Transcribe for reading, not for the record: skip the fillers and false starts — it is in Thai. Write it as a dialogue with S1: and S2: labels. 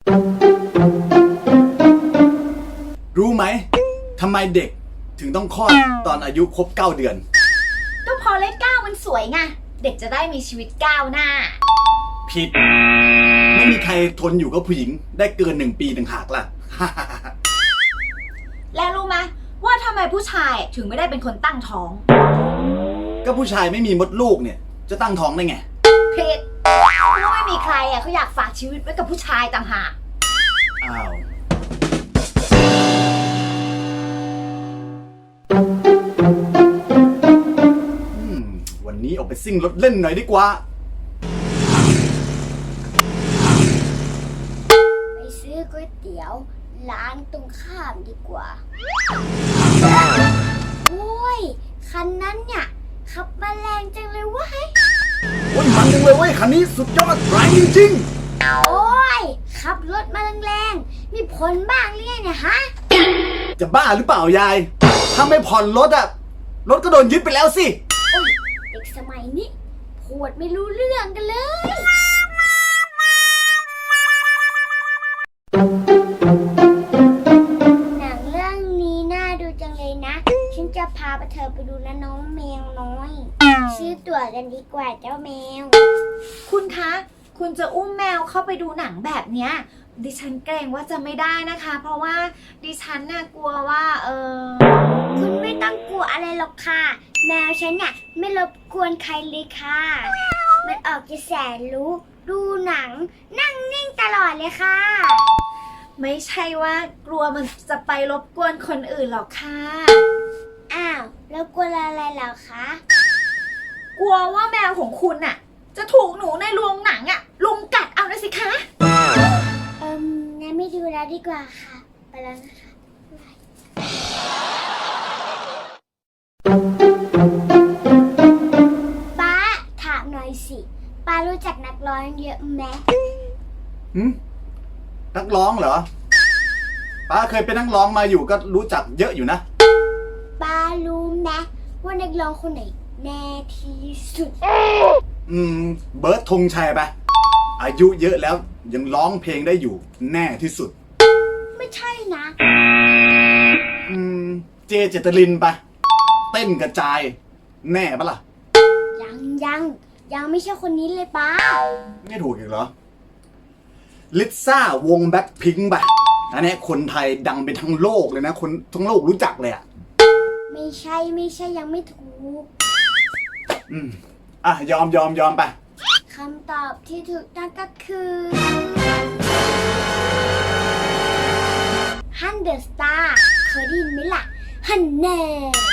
S1: รู้ไหมทำไมเด็กถึงต้องคลอดตอนอายุครบ9 เดือน
S2: ก็พอเลข9มันสวยไงเด็กจะได้มีชีวิตก้าวหน้า
S1: ผิดไม่มีใครทนอยู่กับผู้หญิงได้เกิน1 ปีต่างหากล่ะ
S2: แล้วรู้ไหมว่าทำไมผู้ชายถึงไม่ได้เป็นคนตั้งท้อง
S1: ก็ผู้ชายไม่มีมดลูกเนี่ยจะตั้งท้องได้ไง
S2: ผิดเพราะไม่มีใครเขาอยากฝากชีวิตไว้กับผู้ชายต่างหาก
S1: อ้าววันนี้ออกไปซิ่งรถเล่นหน่อยดีกว่า
S3: ไปซื้อก๋วยเตี๋ยวร้านตรงข้ามดีกว่าโอ้ยคันนั้นเนี่ยขับมาแรงจังเลยเว้ย
S1: โอ้ยมันจังเลยเว้ยคันนี้สุดยอดแรงจริง
S3: โอ้ยขับรถมาแรงๆมีผลบ้างหรือไงเนี่ยฮะ
S1: จะบ้าหรือเปล่ายายถ้าไม่ผ่อนรถอะรถก็โดนยึดไปแล้วสิ
S3: โอ้ยเด็กสมัยนี้พูดไม่รู้เรื่องกันเลยหนังเรื่องนี้น่าดูจังเลยนะฉันจะพาเธอไปดูนะน้องแมวน้อยซื้อตั๋วกันดีกว่าเจ้าแมว
S2: คุณคะคุณจะอุ้มแมวเข้าไปดูหนังแบบเนี้ยดิฉันเกรงว่าจะไม่ได้นะคะเพราะว่าดิฉันน่ะกลัวว่า
S3: คุณไม่ต้องกลัวอะไรหรอกค่ะแมวฉันเนี่ยไม่รบกวนใครเลยค่ะมันออกจะแสนรู้ดูหนังนั่งนิ่งตลอดเลยค่ะ
S2: ไม่ใช่ว่ากลัวมันจะไปรบกวนคนอื่นหรอกค่ะ
S3: อ้าวแล้วกลัวอะไรเหรอคะ
S2: กลัวว่าแมวของคุณน่ะจะถูกหนูในโรงหนังอ่ะลุมกัดเอานะสิคะ
S3: งั้นไม่ดูแล้วดีกว่าค่ะไปแล้วนะคะป้าถามหน่อยสิป้ารู้จักนักร้องเยอะไหม
S1: นักร้องเหรอป้าเคยเป็นนักร้องมาอยู่ก็รู้จักเยอะอยู่นะ
S3: ป้ารู้ไหมว่านักร้องคนไหนแน่ที่สุด
S1: เบิร์ดธงชัยปะอายุเยอะแล้วยังร้องเพลงได้อยู่แน่ที่สุด
S3: ไม่ใช่นะ
S1: เจเจตลินปะเต้นกระจายแน่ปะล่ะ
S3: ยังไม่ใช่คนนี้เลยป้า
S1: ไม่ถูกอีกเหรอลิซ่าวงแบ็คพิงค์ปะอันนี้คนไทยดังไปทั้งโลกเลยนะคนทั้งโลกรู้จักเลยอ่ะ
S3: ไม่ใช่ยังไม่ถูก
S1: ยอมไป
S3: คำตอบที่ถูกต้องก็คือฮันเดอร์สตาร์เคยได้ยินไหมล่ะฮันแน่